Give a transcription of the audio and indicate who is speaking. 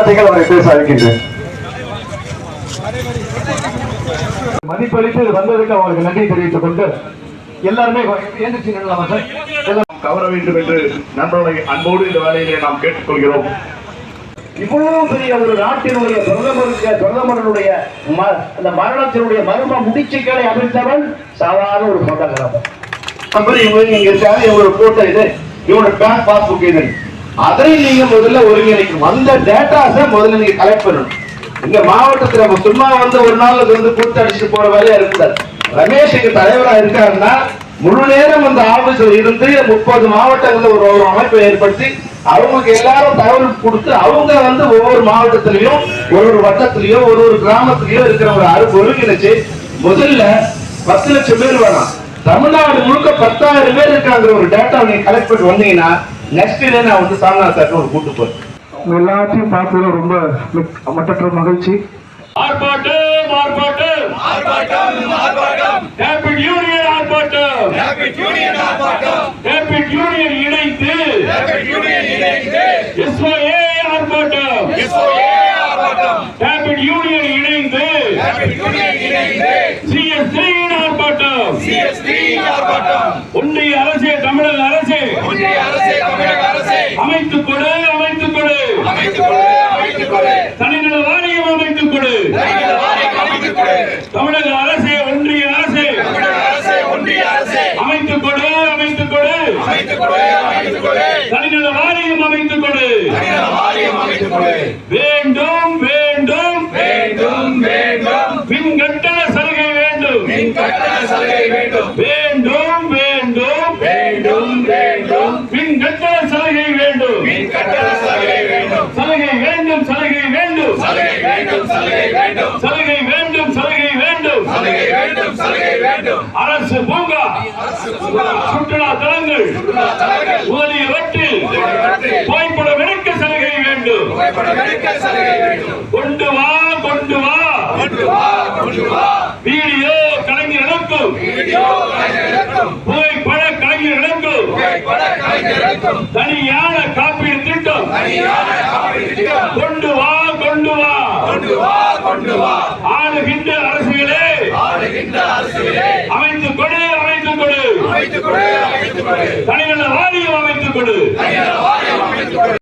Speaker 1: வார்த்தைகள் அவரை பேச அழைக்கின்றேன். மதிப்பளித்து வந்ததுக்கு அவருக்கு நன்றி தெரிவித்துக் கொண்டு எல்லாருமே
Speaker 2: கவர வேண்டும் என்று நண்பர்களை அன்போடு இந்த வேலையிலே நாம் கேட்டுக்கொள்கிறோம்.
Speaker 3: இவ்வளவு பெரிய ஒரு நாட்டினுடைய பிரதமருடைய அந்த மரணத்தினுடைய மர்ம முடிச்சுக்களை அமைத்தவன் சாதாரண ஒரு போட்டோகிராஃபர். இவங்க இருக்காங்க, இவங்களோட போட்டோ இது, இவங்களோட பேங்க் பாஸ்புக் இது, அதை நீங்க முதல்ல ஒருங்கிணைக்கணும். அந்த டேட்டாஸை முதல்ல நீங்க கலெக்ட் பண்ணணும். இங்க மாவட்டத்துல சும்மா ஒரு நாளுக்கு கூட்டு அடிச்சுட்டு போற வேலையா இருக்காது. ரமேஷ் இங்க தலைவரா இருக்காருன்னா முழு நேரம் அந்த ஆபீஸ்ல இருந்து 30 மாவட்டங்கள்ல ஒரு அமைப்பை ஏற்படுத்தி அவங்களுக்கு எல்லாரும் தகவல் கொடுத்து அவங்க ஒவ்வொரு மாவட்டத்திலையும் ஒரு வட்டத்திலயோ ஒரு கிராமத்திலயோ இருக்கிற ஒரு ஒருங்கிணைச்சு முதல்ல 10 லட்சம் பேர் வேணாம், தமிழ்நாடு முழுக்க 10,000 பேர் இருக்காங்கிற ஒரு டேட்டா நீங்க கலெக்ட் பண்ணி வந்தீங்கன்னா நெக்ஸ்ட் டே நான் சாமிநாத சார் ஒரு கூட்டு போறேன்.
Speaker 1: எல்லாத்தையும் பார்த்ததுல ரொம்ப மட்டற்ற மகிழ்ச்சி.
Speaker 4: ஆர்ப்பாட்டம் ஆர்ப்பாட்டம் ஆர்ப்பாட்டம் ஆர்ப்பாட்டம் ரேபிட் யூனியன் ஆர்ப்பாட்டம் ரேபிட் யூனியன் ஆர்ப்பாட்டம் ரேபிட் யூனியன் இணைந்து எஸ்ஓஏ ஆர்ப்பாட்டம் எஸ்ஓஏ ஆர்ப்பாட்டம் ரேபிட் யூனியன் இணைந்து சிஎஸ்டி ஆர்ப்பாட்டம் சிஎஸ்டி ஆர்ப்பாட்டம் ஒன்றிய அரசே தமிழக அரசே அமைத்துக் கொடு தனிநல வாரியம் அமைத்துக் கொடு. தமிழக அரசே ஒன்றிய அரசே அமைத்துக் கொடு தனிநல வாரியம் அமைத்துக் கொடு. வேண்டும் வேண்டும் மின் கட்டண சலுகை வேண்டும் வேண்டும் மின் கட்டண சலுகை வேண்டும் அரசு பூங்கா சுற்றுலா தலங்கள் முதலியவற்றில் புகைப்படம் எடுக்க சலுகை வேண்டும். கொண்டு வா வீடியோ கலைஞர்களுக்கும் புகைப்பட கலைஞர்களுக்கும் தனியான காப்பீடு திட்டம் கொண்டு வா ஆளுகின்ற அரசுகளே அமைத்துக் கொடு தனிநல வாரியம் அமைத்துக் கொடு.